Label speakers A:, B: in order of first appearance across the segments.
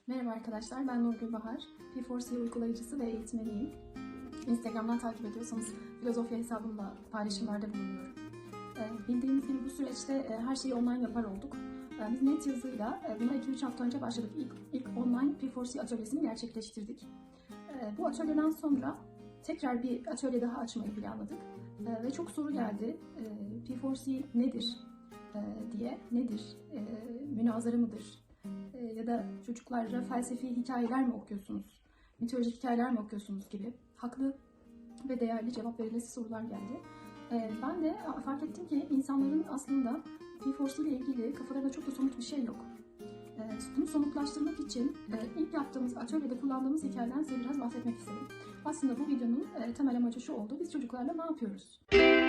A: Merhaba arkadaşlar, ben Nurgül Bahar. P4C uygulayıcısı ve eğitmeniyim. Instagram'dan takip ediyorsanız filozofya hesabımla paylaşımlarda bulunuyorum. Bildiğiniz gibi bu süreçte her şeyi online yapar olduk. Biz net yazıyla buna 2-3 hafta önce başladık. İlk online P4C atölyesini gerçekleştirdik. Bu atölyeden sonra tekrar bir atölye daha açmayı planladık. Ve çok soru geldi. P4C nedir diye, nedir? Münazara mıdır? Ya da çocuklara felsefi hikayeler mi okuyorsunuz, mitolojik hikayeler mi okuyorsunuz gibi haklı ve değerli cevap verilesi sorular geldi. Ben de fark ettim ki insanların aslında P4C ile ilgili kafalarında çok da somut bir şey yok. Bunu somutlaştırmak için ilk yaptığımız atölyede kullandığımız hikayeden size biraz bahsetmek istedim. Aslında bu videonun temel amacı şu oldu: biz çocuklarla ne yapıyoruz?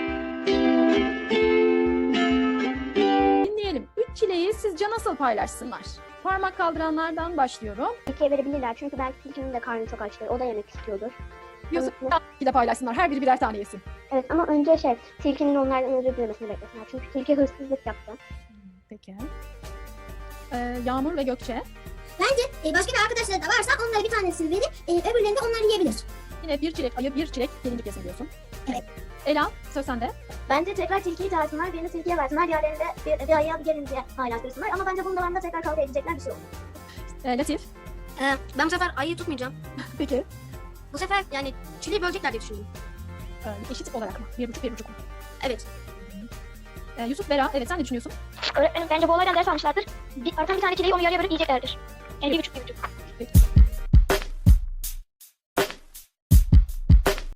B: Dinleyelim. 3 çileği sizce nasıl paylaşsınlar? Parmak kaldıranlardan başlıyorum.
C: İkiye verebilirler çünkü belki tilkinin de karnı çok açtır. O da yemek istiyordur.
B: Yusuf de paylaşsınlar. Her biri birer tane yesin.
C: Evet ama önce tilkinin onlardan özür dilemesini beklesinler. Çünkü tilki hırsızlık yaptı.
B: Peki. Yağmur ve Gökçe.
D: Bence başka bir arkadaşları da varsa onlara bir tanesini verip öbürlerini de onlar yiyebilir.
B: Yine bir çilek ayı, bir çilek gelincik yesin diyorsun.
D: Evet.
B: Ela, söz sende.
E: Bence tekrar tilkiyi çağırsınlar, birini tilkiye versinler, diğerlerini de bir ayıya bir gelinceye paylaştırsınlar. Ama bence bunda bende tekrar kavga edecekler bir şey olur.
B: Latif.
F: Ben bu sefer ayıyı tutmayacağım.
B: Peki.
F: Bu sefer yani çileği bölecekler diye düşündüm.
B: Eşit olarak mı? 1,5 mu?
F: Evet.
B: Yusuf, Bera, evet sen ne düşünüyorsun?
E: Öğretmenim bence bu olaydan ders almışlardır. Artan bir tane çileği onu yarıya bölüp yiyeceklerdir. Yani 1,5.
B: Peki.